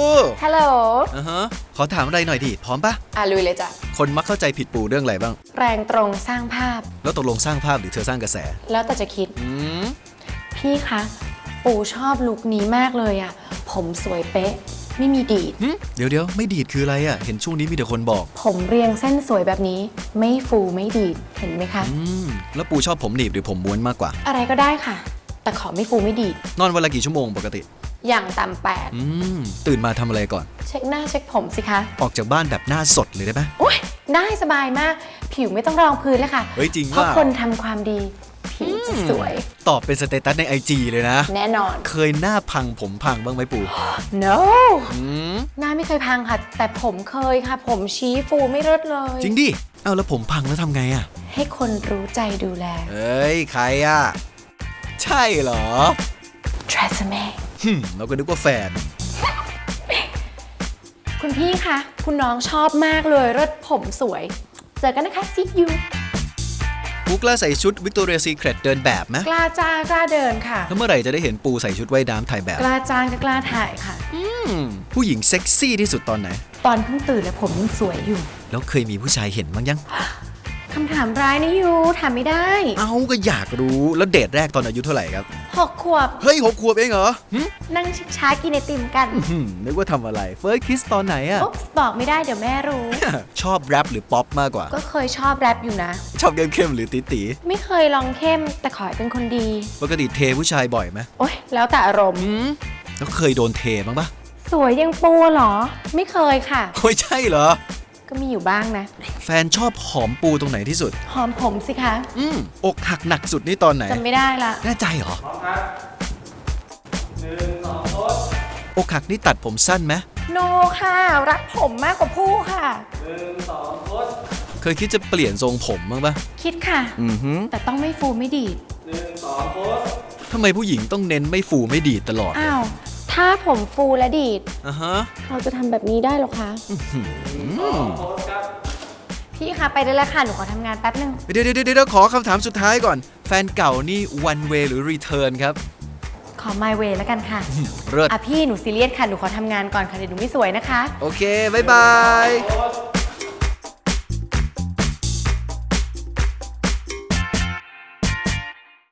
ฮัลโหลขอถามอะไรหน่อยดิพร้อมปะลุยเลยจ้ะคนมักเข้าใจผิดปูเรื่องอะไรบ้างแรงตรงสร้างภาพแล้วตกลงสร้างภาพหรือเธอสร้างกระแสแล้วแต่จะคิดพี่คะปูชอบลุคนี้มากเลยอ่ะผมสวยเป๊ะไม่มีดีดเดี๋ยวไม่ดีดคืออะไรอ่ะเห็นช่วงนี้มีแต่คนบอกผมเรียงเส้นสวยแบบนี้ไม่ฟูไม่ดีดเห็นไหมคะแล้วปูชอบผมหนีบหรือผมม้วนมากกว่าอะไรก็ได้ค่ะแต่ขอไม่ฟูไม่ดีดนอนวันละกี่ชั่วโมงปกติอย่างต่ำ 8ตื่นมาทำอะไรก่อนเช็คหน้าเช็คผมสิคะออกจากบ้านแบบหน้าสดเลยได้ไหมโอ๊ยได้สบายมากผิวไม่ต้องรองพื้นเลยค่ะเฮ้ยจริงว่าเพราะคนทำความดีผิวจะสวยตอบเป็นสเตตัสใน IG เลยนะแน่นอนเคยหน้าพังผมพังบ้างไหมปู no หน้าไม่เคยพังค่ะแต่ผมเคยค่ะผมชี้ฟูไม่เลิศเลยจริงดิเอาแล้วผมพังแล้วทำไงอ่ะให้คนรู้ใจดูแลเอ้ยใครอ่ะใช่เหรอ Tresemme เราก็นึกว่าแฟนคุณพี่คะคุณน้องชอบมากเลยรถผมสวยเจอกันนะคะ see you ปูกล้าใส่ชุด Victoria's Secret เดินแบบไหมกล้าจ้างกล้าเดินค่ะแล้วเมื่อไหร่จะได้เห็นปูใส่ชุดว่ายน้ำถ่ายแบบกล้าจ้างก็กล้าถ่ายค่ะผู้หญิงเซ็กซี่ที่สุดตอนไหนตอนเพิ่งตื่นแล้วผมยังสวยอยู่แล้วเคยมีผู้ชายเห็นบ้างยังคำถามร้ายนะยูถามไม่ได้เอาก็อยากรู้แล้วเดทแรกตอนอายุเท่าไหร่ครับ 6 ขวบเฮ้ย6 ขวบเองเหรอนั่งชิช้ากินไอติมกันนึกว่าทำอะไรเฟิร์สคิสตอนไหนอะบอกไม่ได้เดี๋ยวแม่รู้ชอบแรปหรือป๊อปมากกว่าก็เคยชอบแรปอยู่นะชอบเข้มหรือตี๋ไม่เคยลองเข้มแต่ขอให้เป็นคนดีปกติเทผู้ชายบ่อยไหมโอ๊ยแล้วแต่อารมณ์แล้วเคยโดนเทบ้างปะสวยยังปูเหรอไม่เคยค่ะโอ้ยใช่เหรอก็มีอยู่บ้างนะแฟนชอบหอมปูตรงไหนที่สุดหอมผมสิคะอกหักหนักสุดนี่ตอนไหนจำไม่ได้ละแน่ใจเหรออกหักนี่ตัดผมสั้นไหมโนค่ะรักผมมากกว่าผู้ค่ะเคยคิดจะเปลี่ยนทรงผมบ้างปะคิดค่ะแต่ต้องไม่ฟูไม่ดีดทำไมผู้หญิงต้องเน้นไม่ฟูไม่ดีดตลอดอ้าวถ้าผมฟูและดีดเราจะทำแบบนี้ได้หรอคะพี่คะไปได้แล้วค่ะหนูขอทำงานแป๊บนึงเดี๋ยวขอคำถามสุดท้ายก่อนแฟนเก่านี่ one way หรือ return ครับขอ my way แล้วกันค่ะเลิศพี่หนูซีเรียสค่ะหนูขอทำงานก่อนค่ะเดี๋ยวหนูไม่สวยนะคะโอเคบ๊ายบาย